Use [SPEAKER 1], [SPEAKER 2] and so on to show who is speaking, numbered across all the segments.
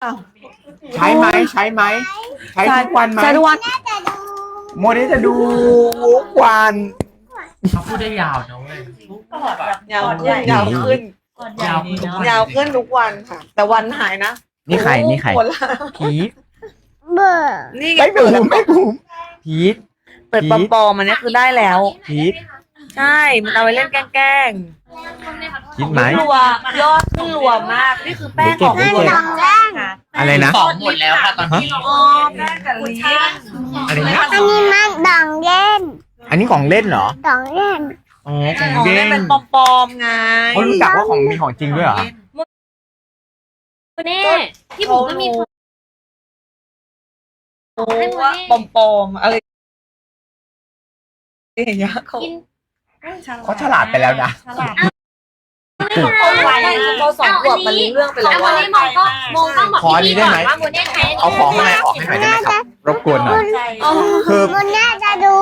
[SPEAKER 1] ใช้ไหมใช้ไหมใช้ทุกวันไหม
[SPEAKER 2] ใช้ทุกวัน
[SPEAKER 1] โมเดลจะดูทุกวัน
[SPEAKER 3] เขาพูดได้ยาวนะเว้ย
[SPEAKER 2] ยาวขึ้น
[SPEAKER 3] ยาวขึ้น
[SPEAKER 2] ยาวขึ้นทุกวันค่ะ แต่วันหายนะ
[SPEAKER 1] นี่ใครนี่ใคร
[SPEAKER 2] หมดละ
[SPEAKER 1] พีท
[SPEAKER 2] นี่ไง
[SPEAKER 1] ไม่บูมไม่บูมพีท
[SPEAKER 2] เปิดปอมๆอันนี้คือได้แล้ว
[SPEAKER 1] พีท
[SPEAKER 2] ใช่ มันเอาไปเล่นแกล้ง
[SPEAKER 1] คิดไหม
[SPEAKER 2] รัวยอดขึ้นรัวมาก นี่คือแป้งของ
[SPEAKER 1] เด็กๆ
[SPEAKER 2] รัวค่ะ
[SPEAKER 1] อะไรนะ
[SPEAKER 3] ของหมดแล้วค่ะตอนนี้
[SPEAKER 2] อ๋อแป้งกับลิ้น
[SPEAKER 1] อะไรนะ
[SPEAKER 4] อันนี้มันดองเล่น
[SPEAKER 1] อันนี้ของเล่นเหรอ
[SPEAKER 4] ดองเล่น
[SPEAKER 1] อ๋อของ
[SPEAKER 2] ของ
[SPEAKER 1] เล่
[SPEAKER 2] เล่น
[SPEAKER 1] น
[SPEAKER 2] เป็นปอมๆไง
[SPEAKER 1] เขารู้จักว่าของมีของจริงด้วยเหรอ
[SPEAKER 5] เน่พี่บุ๋มก็มี
[SPEAKER 2] รู้ว่าปอมๆอะไรอย่างเงี้ยเขา
[SPEAKER 5] กิน
[SPEAKER 1] เขาฉลาดไปแล้วนะ
[SPEAKER 2] คนไวเขาสองขวบมันรู้เรื่องไปแล้ว
[SPEAKER 5] เอา
[SPEAKER 2] ว่า
[SPEAKER 5] วันนี้มองต้องบอก
[SPEAKER 1] ขออันนี้ได้ไหม
[SPEAKER 5] ว่าโมเน่ใช้
[SPEAKER 1] เอาของข้างในออกให้หน่อยได้ไหมครับ รบกวนหน่อย คือ
[SPEAKER 4] มันน่าจะดู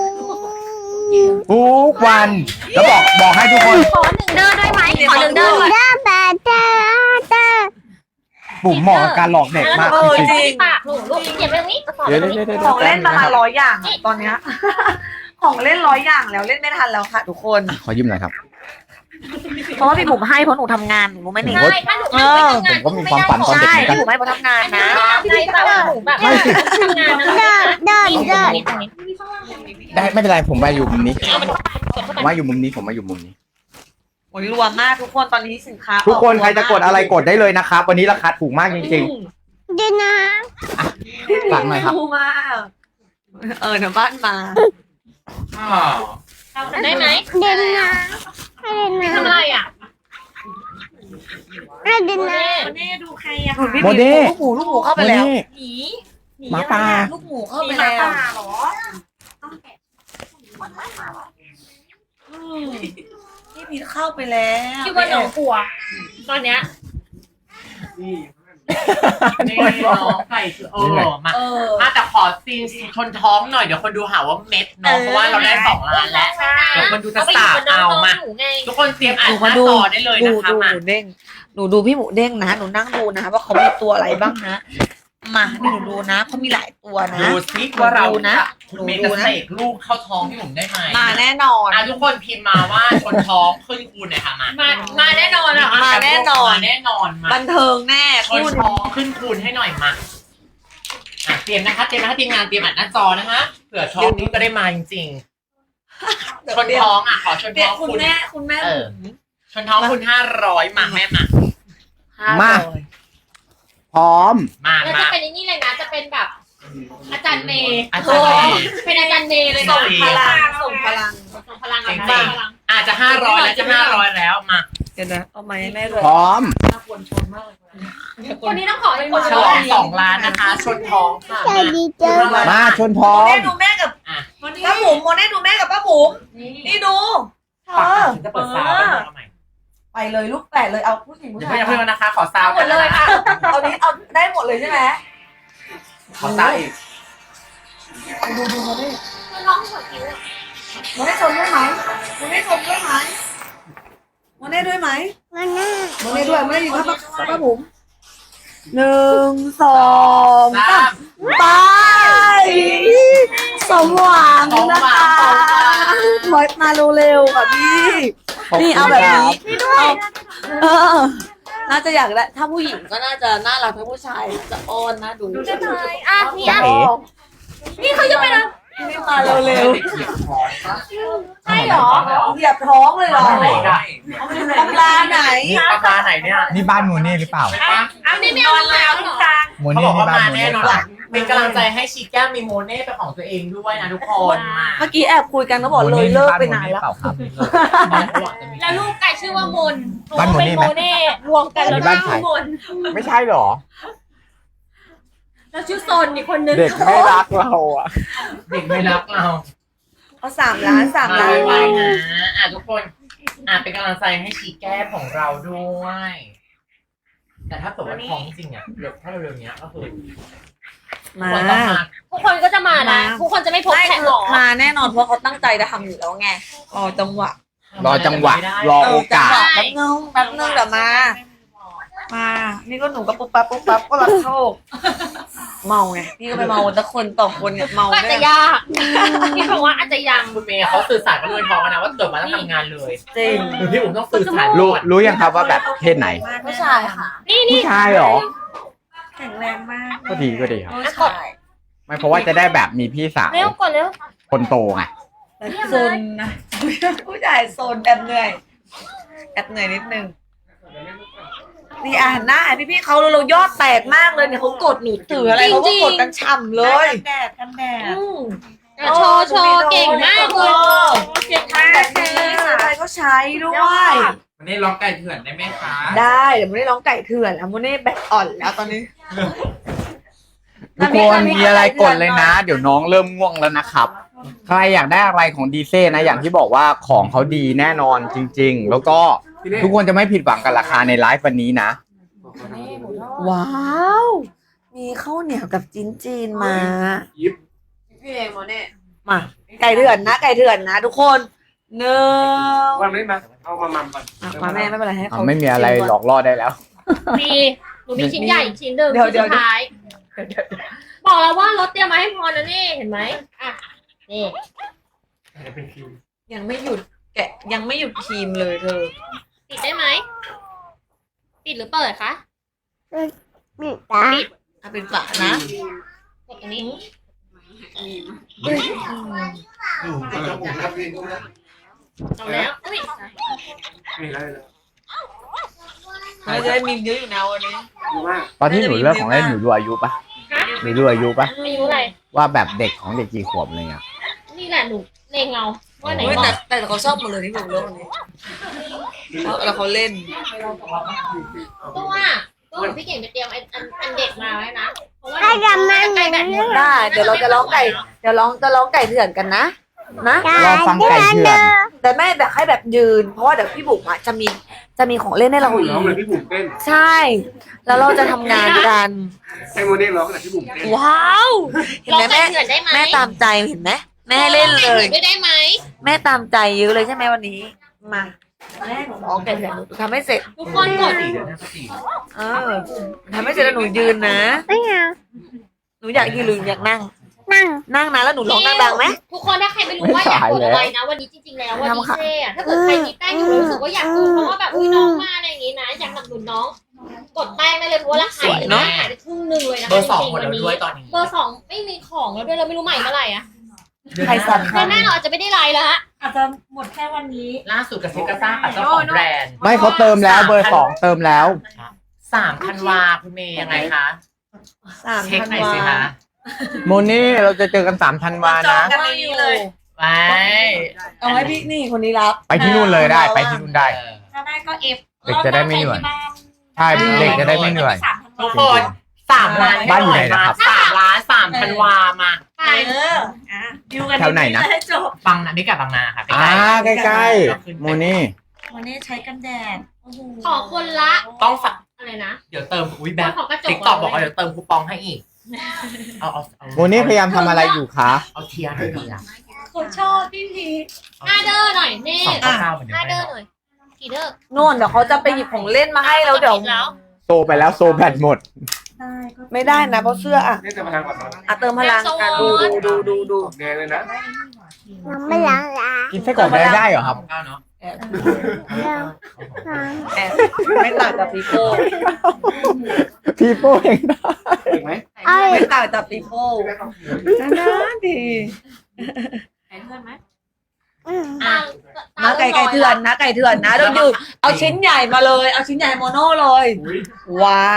[SPEAKER 1] ทุกวัน แล้วบอกให้ทุกคน
[SPEAKER 5] ขอหนึ่งเดินได้ไหมขอหนึ่งเดินด้วย
[SPEAKER 4] เด้อแบเด้อ
[SPEAKER 1] ปุ่มเหมาะกับการหลอกเด็กมากจริง
[SPEAKER 2] จริง
[SPEAKER 5] ปากหนูลูกเก็บไว้ตรงนี้กระสอบ
[SPEAKER 1] ๆเดี๋ยว
[SPEAKER 5] ตรงนี้
[SPEAKER 2] ของเล่นประมาณ100 อย่างอะตอนเนี้ย ของเล่น100 อย่างแล้วเล่นไม่ทันแล้วค่ะ ทุกคน
[SPEAKER 1] ขอยืมหน่อยครับ
[SPEAKER 2] เพราะว่าพี่บุ๋มให้เพราะหนูทำงานหนูรู้ไหมหนิ
[SPEAKER 5] ใช่ถ้าหนูไม่ทำงาน
[SPEAKER 1] ผมก็มีความฝันตอน
[SPEAKER 2] ใช่
[SPEAKER 1] เด็กเหมือนกัน
[SPEAKER 2] พี่บุ๋มให้เพราะทำงานนะ
[SPEAKER 5] ใช่แต่ว่าหนูแบบทำงานนะ
[SPEAKER 4] เด้อเด้อ
[SPEAKER 5] นี่
[SPEAKER 4] เด้อ
[SPEAKER 5] ตรงนี้
[SPEAKER 1] ได้ไม่เป็นไรผมมาอยู่มุมนี้ผมมาอยู่มุมนี้ผมมาอยู่มุมนี้
[SPEAKER 2] โอ้ยรวมมากทุกคนตอนนี้สินค้า
[SPEAKER 1] ทุกคนใครจะกดอะไรกดได้เลยนะครับ วันนี้ราคาถูกมากจริง
[SPEAKER 4] เดี๋ยวนะ
[SPEAKER 1] ๆฝากหน่อยครับ
[SPEAKER 2] ถูกมากเดี๋ยวบ้านมา
[SPEAKER 5] ได้ไหม
[SPEAKER 4] เดี๋ยวนะให้เดี๋ยว
[SPEAKER 5] ทำ
[SPEAKER 4] นะ
[SPEAKER 5] อะไรอ่ะ
[SPEAKER 4] ให้เดี๋ยว
[SPEAKER 5] โม
[SPEAKER 4] นะ
[SPEAKER 5] เน่ดูใครอ่ะ
[SPEAKER 2] พี่
[SPEAKER 1] โมเดล
[SPEAKER 2] ลูกหมูเข้าไปแล้ว
[SPEAKER 1] นี่
[SPEAKER 5] หนีหนี
[SPEAKER 1] หมาป่า
[SPEAKER 2] ลูกหมูเข้าไปแล้ว
[SPEAKER 5] หรอ
[SPEAKER 2] พี่พีทเข้าไปแล้ว
[SPEAKER 5] คิดว่าหนูกลัวตอนเนี้ย
[SPEAKER 3] นี่น้องไก่คือมาแต่ขอซีนชนท้องหน่อยเดี๋ยวคนดูหาว่าเม็ดเนาะเพราะว่าเราได้2 ล้านแล้วเดี๋ยวคนดูจะสาบเอามาทุกคนเตรียมอ่านหน้าจอได้เลยนะคะ
[SPEAKER 2] ดู
[SPEAKER 3] มา
[SPEAKER 2] หมูเด้งหนูดูพี่หมูเด้งนะหนูนั่งดูนะว่าเขามีตัวอะไรบ้างนะมาหนูดูนะเขามีหลายตัวนะ
[SPEAKER 3] ดูซิว่าเรา
[SPEAKER 2] ดูนะ
[SPEAKER 3] คุณเมย์จะเสกลูกเข้าท้องพี่ผมได้ไหม
[SPEAKER 2] มาแน่นอน
[SPEAKER 3] ทุกคนพิมพ์มาว่าชนท้องขึ้นคูณหน่อยค่ะมาแน่นอนอ่ะ
[SPEAKER 2] มาแน่นอน
[SPEAKER 3] มาแน่นอนมา
[SPEAKER 2] บันเทิงแน่
[SPEAKER 3] ช
[SPEAKER 2] พู
[SPEAKER 3] น
[SPEAKER 2] ด
[SPEAKER 3] ท้องขึ้นคูณให้หน่อยมาเตรียมนะคะทีมงานเตรียมอ่านหน้าจอนะคะเผื่อท้องนี้ก็ได้มาจริงๆชนท้องขอชน
[SPEAKER 2] เดี๋
[SPEAKER 3] ท้
[SPEAKER 2] ย
[SPEAKER 3] อ
[SPEAKER 2] ว
[SPEAKER 3] ง
[SPEAKER 2] คุณ
[SPEAKER 3] คุณ
[SPEAKER 2] แม่คุณแม่
[SPEAKER 3] ชนท้องคุณ500มาแม่มา
[SPEAKER 1] มา พร้อม
[SPEAKER 5] แล้วจะเป็นนี่เลยนะจะเป็นแบบอาจารย์เมย์
[SPEAKER 3] อาจารย์เมย์
[SPEAKER 5] เป็นอาจารย์เมย์เลย
[SPEAKER 2] ส่
[SPEAKER 5] นะ
[SPEAKER 2] งพลังส่งพลัง
[SPEAKER 5] ส่งพลัง
[SPEAKER 3] จ
[SPEAKER 5] อะ
[SPEAKER 3] ริงๆอาจจะ500แล้วจะ500แล้วมา
[SPEAKER 2] เดี๋ยวนะเอาไม้แม่ด้วย
[SPEAKER 1] พร้อม
[SPEAKER 5] คนนี้ต้องขอเป็นคน
[SPEAKER 3] ฉลอง2 ล้านนะคะ ชนท้องค่ะ
[SPEAKER 4] ใจดีจัง
[SPEAKER 1] มาชนพร้อ
[SPEAKER 2] โม
[SPEAKER 1] ม
[SPEAKER 2] เน่ดูแม่กับป้าบุ๋มโมเน่ดูแม่กับป้าบุ๋มนี่ดูเธอ
[SPEAKER 3] จะเปิดซาวด์ให้ใหม่
[SPEAKER 2] ไปเลยลูกแปดเลยเอาผู้หญิงผู้
[SPEAKER 3] เดี๋ยว
[SPEAKER 2] ชาย
[SPEAKER 3] เพิ่งนะคะ ขอซาวด์
[SPEAKER 2] หมดเลยค่ะเอานี้เอาได้หมดเลยใช่ไหม
[SPEAKER 3] ขอซาวด์อีก
[SPEAKER 2] ดูโมเน่
[SPEAKER 5] น้องหัวคิ้ว
[SPEAKER 2] โมเน่ชมด้วยไหมโมเน่ชมด้วยไหมโมเน่ด้วยไหม
[SPEAKER 4] มันน่า
[SPEAKER 2] โมเน่ด้วยโมเน่อยู่กับป้าบุ๋ม1 2 3ไปสมหวังนะคะมาเร็วๆค่ะพี่ นี่เอาแบบนี้เอาน่าจะอยากได้ถ้าผู้หญิงก็น่าจะน่ารักถ้าผู้ชายจะอ้อนนะดู
[SPEAKER 5] จะทายอ่ะนี่
[SPEAKER 1] จ๊ะ
[SPEAKER 5] อ่ะ
[SPEAKER 1] เอ๋
[SPEAKER 5] นี่เขาจะไปนะ
[SPEAKER 2] นี่มาเร็ว
[SPEAKER 5] ใช่เหรอ
[SPEAKER 2] ๆเหยียบท้องเลยเหรอ
[SPEAKER 3] ไหนได้
[SPEAKER 2] ตำราไหน
[SPEAKER 3] นี่ปลาปลาไหนเนี่ย
[SPEAKER 1] นี่บ้านโมเน่หรือเปล่า
[SPEAKER 5] อันนี้ไม่เอาแล้วเหรอ
[SPEAKER 1] โม
[SPEAKER 3] เขา
[SPEAKER 1] เน่
[SPEAKER 3] บอก
[SPEAKER 1] นี่
[SPEAKER 3] ว่า
[SPEAKER 1] บ้าน
[SPEAKER 3] มา
[SPEAKER 1] โม
[SPEAKER 3] แน่
[SPEAKER 1] เน่
[SPEAKER 3] นอนเป็นกำลังใจให้ชีแก้มมีโมเน่เป็นของตัวเองด้วยนะทุกคนมา
[SPEAKER 2] เมื่อกี้แอบคุยกันก็บอกเลยเลิกไปนานแล้ว
[SPEAKER 1] เปล่าครับ
[SPEAKER 5] แล้วลูกไก่ชื่อว่ามน
[SPEAKER 1] บ้านโมเน่ไหม
[SPEAKER 5] เป็นโมเน่รวมกันแล้ว
[SPEAKER 1] บ้านใคร
[SPEAKER 5] ชื่อมน
[SPEAKER 1] ไม่ใช่หรอ
[SPEAKER 5] แล้วชื่อโซนอีกคนนึง
[SPEAKER 1] เด็กไม่รักเราอ่ะ
[SPEAKER 3] เด็กไม่รักเรา
[SPEAKER 2] เอา3 ล้าน3 ล้าน
[SPEAKER 3] ไวๆนะทุกคนเป็นกำลังใจให้ชีแก้มของเราด้วย แต่ถ้าเกิดว่าท้องจริงถ้าเร็วๆนี้ก็คือ
[SPEAKER 2] มา
[SPEAKER 3] คนต้องมา
[SPEAKER 5] ทุกคนก็จะมานะทุกคนจะไม่พบแขกหรอ
[SPEAKER 2] มาแน่นอนเพราะเขาตั้งใจจะทำอยู่แล้วไงรอจังหวะ
[SPEAKER 1] รอจังหวะ รอโอกาส
[SPEAKER 2] แป๊บนึงเดี๋ยวมามานี่ก็หนูก็ปุ๊บปั๊บก็รับโชคเมาไงพี่ก็ไปเมาแต่คนต่อคนเนี่ยเมา
[SPEAKER 5] ก็อาจ
[SPEAKER 2] เนี่
[SPEAKER 5] จะ
[SPEAKER 2] ย
[SPEAKER 5] ยากพี่บอกว่าอาจจะยัง
[SPEAKER 3] คุณเมย์เขาสื่อสารกับเงินทองนะว่าเกิดมาแล้วทำงานเลย
[SPEAKER 2] จริง
[SPEAKER 3] คือพี่อุ๋มต้องสื่อสาร
[SPEAKER 1] รู้ยังครับว่าแบบเพศไหน
[SPEAKER 2] ผู้ชายค่ะ
[SPEAKER 5] นี่
[SPEAKER 1] ผู้ชายเหรอ
[SPEAKER 2] แข็งแรงมาก
[SPEAKER 1] ก็ดีก็ดีครับ
[SPEAKER 2] ผู้ชาย
[SPEAKER 1] ไม่เพราะว่าจะได้แบบมีพี่สาว
[SPEAKER 5] เร็วก่อนเร็ว
[SPEAKER 1] คนโตไง
[SPEAKER 2] แต่โซนนะผู้ชายโซนแอบเหนื่อยนิดนึงนี่อ่านหน้าพี่เขาเรายอดแตกมากเลยเนี่ยเขากดหนูถืออะไรเขาก็กดกันฉ่ำเลยกันแดด
[SPEAKER 5] โชว์เก่งมากเลยเก่งมาก
[SPEAKER 2] อะไรก็ใช้ด้วย
[SPEAKER 3] วันนี้ร้องไก่เถื่อนได้ไหมคะ
[SPEAKER 2] ได้เดี๋ยวมันได้ร้องไก่เถื่อนแล้วมันได้แบตอ่อนแล้วตอนนี้
[SPEAKER 1] ทุกคนมีอะไรกดเลยนะ เดี๋ยวน้องเริ่มง่วงแล้วนะครับ ใครอยากได้อะไรของดีเซ่นะ อย่างที่บอกว่าของเขาดีแน่นอนจริง ๆ แล้วก็ทุกคนจะไม่ผิดหวังกับราคาในไลฟ์วันนี้นะ
[SPEAKER 2] ว้าว มีข้าวเหนียวกับจีนมาพี่เองโมเน่มาไก่เถื่อนนะทุกคนหนึ่ง
[SPEAKER 6] วันนี้มาเอามามัมก่อน
[SPEAKER 2] มาแม่ไม่เป็นไรให้เขา
[SPEAKER 1] ไม่มีอะไรหลอกล่อได้แล้ว
[SPEAKER 5] หนูมีชิ้นใหญ่อีกชิ้นหนึ่ง
[SPEAKER 2] เดี๋ยว
[SPEAKER 5] ชิ้นสุดท้ายบอกแล้วว่ารถเตรียมมาให้พรนะนี่เห็นไหมอ่ะนี่
[SPEAKER 2] ยังไม่หยุดแกะยังไม่หยุดครีมเลยเธอ
[SPEAKER 5] ปิดได้ไหมปิดหรือเปิดคะ
[SPEAKER 4] ปิดตา
[SPEAKER 2] เอาเป็นฝานะ
[SPEAKER 5] กดตรงนี้ เอาแล้วอุ้ย
[SPEAKER 6] มีอะไร
[SPEAKER 2] เราจะได้มีเยอะอยู่นะวันนี้
[SPEAKER 6] ดูมาก
[SPEAKER 1] ตอนที่หนูเลือกของเล่นหนูดูอายุปะหนูดูอายุปะ
[SPEAKER 5] อายุอะไร
[SPEAKER 1] ว่าแบบเด็กของเด็กกี่ขวบอะไรเงี้ย
[SPEAKER 5] นี่แหละหนูเลงเอาว่าไหน
[SPEAKER 2] เฮ้ย
[SPEAKER 5] เหมาะ
[SPEAKER 2] แต่เขาชอบหมดเลยที่หนูเลือกวันนี้แล้วเขาเล่น
[SPEAKER 5] ตัวพี่เก่งไปเตรียมอันเด็กมาไว้นะเพราะว่า
[SPEAKER 4] ให้ดำน้ำ
[SPEAKER 5] ไก่แบบนี้
[SPEAKER 2] ได้เดี๋ยวเราจะร้องไก่จะร้องไก่เถื่อนกันนะ
[SPEAKER 1] รอฟังไก่เถื่อน
[SPEAKER 2] แต่แม่แบบให้แบบยืน เพราะว่าเดี๋ยวพี่บุ๋มอะจะมีของเล่นให้เราอี
[SPEAKER 6] ร้องเลย
[SPEAKER 2] ก
[SPEAKER 6] พี่บุ๋มเต้น
[SPEAKER 2] ใช่ แล้วเราจะทำงานกัน
[SPEAKER 6] ให้โมเน่ร้องแต่พี่บุ๋มเต้น
[SPEAKER 2] ว้าวเห็น
[SPEAKER 5] ลอ
[SPEAKER 2] ไห
[SPEAKER 5] ง
[SPEAKER 2] ม
[SPEAKER 5] ไก่เถื่อนได้ไหม
[SPEAKER 2] แม่ตามใจเห็นไหมแม่ให้เล่นเลย
[SPEAKER 5] ไม่ได้ไหม
[SPEAKER 2] แม่ตามใจเยอะเลยใช่ไหมวันนี้มาแม่หนูร้องไก่เถื่อนหนูทำให้เสร็จ
[SPEAKER 5] ทุกคนกด
[SPEAKER 2] เออทำให้เสร็จแล้วหนูยืนนะ
[SPEAKER 4] ไม่เอา
[SPEAKER 2] หนูอยากยืนหรืออยากนั่ง
[SPEAKER 4] นั่ง
[SPEAKER 2] นั่งนะแล้วหนูร้องดังๆไหม
[SPEAKER 5] ทุกคนถ้าใครไม่รู้ว่าอยากกดอะไรนะวันนี้จริงๆแล้ววันนี้เช่ถ้าเกิดใครมีแป้งอยู่รู้สึกว่าอยากกดเพราะว่าแบบอุ้ยน้องมาอะไรอย่างงี้นะอยากสนับสนุนน้องกดแป้งได้เลยเพราะว่าราคาหายไปครึ่งนึงเลยนะคะ
[SPEAKER 3] เบอร์สอง
[SPEAKER 5] จริง
[SPEAKER 3] หมด
[SPEAKER 5] ๆวั
[SPEAKER 3] แล้ว
[SPEAKER 5] นนี้
[SPEAKER 3] ด้วยตอนนี้
[SPEAKER 5] เบอร์สองไม่มีของแล้วด้วยเราไม่รู้ใหม่เมื่อไหร่อะ
[SPEAKER 2] ใครสั่ง
[SPEAKER 5] เดือนหน้าเราอาจจะไม่ได้ไลน์แล้วฮะ
[SPEAKER 7] อาจจะหมดแค่วันนี้
[SPEAKER 3] ล่าสุดกับเซกาซ่ากับเจ้าของแบรนด์
[SPEAKER 1] ไม่เขาเติมแล้วเบอร์สองเติมแล้ว
[SPEAKER 3] 3 ธันวาคุณเมย์ยังไงคะ เช็คหน่อยสิคะ
[SPEAKER 1] โมนี่เราจะเจอกัน3 ธันวานะ
[SPEAKER 2] กันนี้เลย
[SPEAKER 3] ไป
[SPEAKER 2] เอาให้พี่นี่คนนี้รับ
[SPEAKER 1] ไปที่นู่นเลยได้ไปที่นู่นได้
[SPEAKER 7] ถ้าได้ก็เอฟ
[SPEAKER 1] เด็กจะได้ไม่เหนื่อย ใช่เด็กจะได้ไม่เหนื่อย
[SPEAKER 3] ทุกคน3 ล้าน
[SPEAKER 1] บ้านอยู่ไหนนะครับ
[SPEAKER 3] 3 ล้าน3 ธันวามา
[SPEAKER 5] ไป
[SPEAKER 7] ดิวกัน
[SPEAKER 1] แถวไหนนะ
[SPEAKER 7] ให้จบ
[SPEAKER 3] บังนะไม่กับบางนาค่ะ
[SPEAKER 1] อ่าใกล้ๆโมนี่
[SPEAKER 7] วันนี้ใช้กันแดดโอ้โห
[SPEAKER 5] ขอคนละ
[SPEAKER 3] ต้องฝาก
[SPEAKER 5] อะไรนะ
[SPEAKER 3] เดี๋ยวเติมอุ้ยแบ
[SPEAKER 5] คน
[SPEAKER 3] บ
[SPEAKER 5] ขอกระจก
[SPEAKER 3] ติ๊กต็อกบอกว่าเดี๋ยวเติมคูปองให้อีก เอา
[SPEAKER 1] โมนี่พยายามทำอะไรอยู่คะ
[SPEAKER 3] เอาเทียร์ให้ดีอ่ะ
[SPEAKER 7] คนชอบพี่พี
[SPEAKER 5] ห้าเดอร์หน่อยนี่
[SPEAKER 3] 299เหมือนเดิ
[SPEAKER 5] ห้าม เดอร์หน่อยกี่เดอร์
[SPEAKER 2] นู่นเดี๋ยวเขาจะไปหยิบของเล่นมาให้แล้วเดี๋ยว
[SPEAKER 5] แล้ว
[SPEAKER 1] โซไปแล้วโซแบตหมด
[SPEAKER 7] ได้ก็
[SPEAKER 2] ไม่ได้นะเพราะเสื้ออ่ะ
[SPEAKER 6] นี่จะพลังก่อนนะ
[SPEAKER 2] อ่ะเติมพลังกันดู
[SPEAKER 6] แดงเลยนะ
[SPEAKER 4] น้ำไม่ล้างละ
[SPEAKER 1] กินไส้กรอกได้เหรอครับ
[SPEAKER 3] 9เนาะ
[SPEAKER 4] ล้างล้าง
[SPEAKER 2] แอบไม่ต่างกับปีโป้
[SPEAKER 1] พี่โป้เองได้
[SPEAKER 6] ถูกไหม
[SPEAKER 4] เอา
[SPEAKER 2] ไม่ต่างกับปีโป้นะดี
[SPEAKER 5] เพื่อนไหม
[SPEAKER 4] อืม
[SPEAKER 5] อ่ะ
[SPEAKER 2] มาไก่เถื่อนนะไก่เถื่อนนะเดี๋ยวดูเอาชิ้นใหญ่มาเลยเอาชิ้นใหญ่โมโน่เลย
[SPEAKER 6] อุ้ย
[SPEAKER 2] ว้าว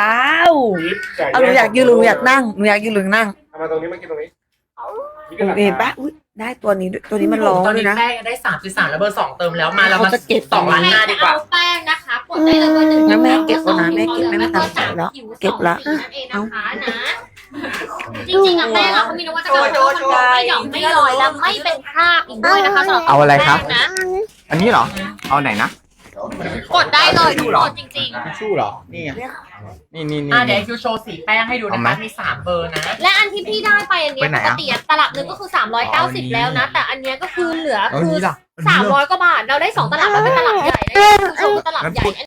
[SPEAKER 2] เอาหนูอยากยืนหรือหนูอยากนั่งหนูอยากยืนหรือนั่ง
[SPEAKER 6] เอามาตรงนี้มากินตรงนี้
[SPEAKER 2] เห็นปะอุ๊ยได้ตัวนี้ด้วยตัวนี้มันร้อง
[SPEAKER 3] ตอน
[SPEAKER 2] ด้ว
[SPEAKER 3] นี้
[SPEAKER 2] ยนะ
[SPEAKER 3] แป้งได้ 3.3 แล้วเบอร์ 2 เติมแล้วมาแล้วมา
[SPEAKER 2] เขาจะเก็บ
[SPEAKER 3] 2 ล้านหน้าดีกว่า
[SPEAKER 5] เอาแป้งนะคะกดได้เลยเบอร์หนึ่ง
[SPEAKER 2] งั้นแม่เก็บก่อนนะแม่เก็บแม่ไม่ตามใจแล้วเก็บละ
[SPEAKER 5] นั่นเองนะคะนะจริงๆอะแป้งอะเขามีนวัตกรรม
[SPEAKER 2] โชว์
[SPEAKER 5] ไม่หย่อนไม่ลอยและไม่เป็นคราบอีกด้วยนะคะสำหรับ
[SPEAKER 1] เอาอะไรครับ
[SPEAKER 5] แป้งนะ
[SPEAKER 1] อันนี้เหรอ เอาไหนนะ
[SPEAKER 5] กดได้เลยทุกคนจริง
[SPEAKER 1] ทิชชู่เหรอ นี่ไงนี่
[SPEAKER 3] เดี๋ยวคิวโชว์สีแป้งให้ดูนะคะมี 3 เบอร์นะ
[SPEAKER 5] ๆ และอันที่พี่ได้ไปอันเนี้
[SPEAKER 1] ไป
[SPEAKER 5] ย
[SPEAKER 1] ไหน
[SPEAKER 5] ป
[SPEAKER 1] อะ
[SPEAKER 5] กติอะตลับหนึงก็คือ390แล้วนะ แต่อันเนี้ยก็คือเหลือ
[SPEAKER 1] เอา
[SPEAKER 5] คือ
[SPEAKER 1] นี้ล่ะอันนี้ล่ะ
[SPEAKER 5] 300 กว่าบาทเราได้2 ตลับมันเป็นตลับใหญ่ได้คือโชว์ตลับใหญ่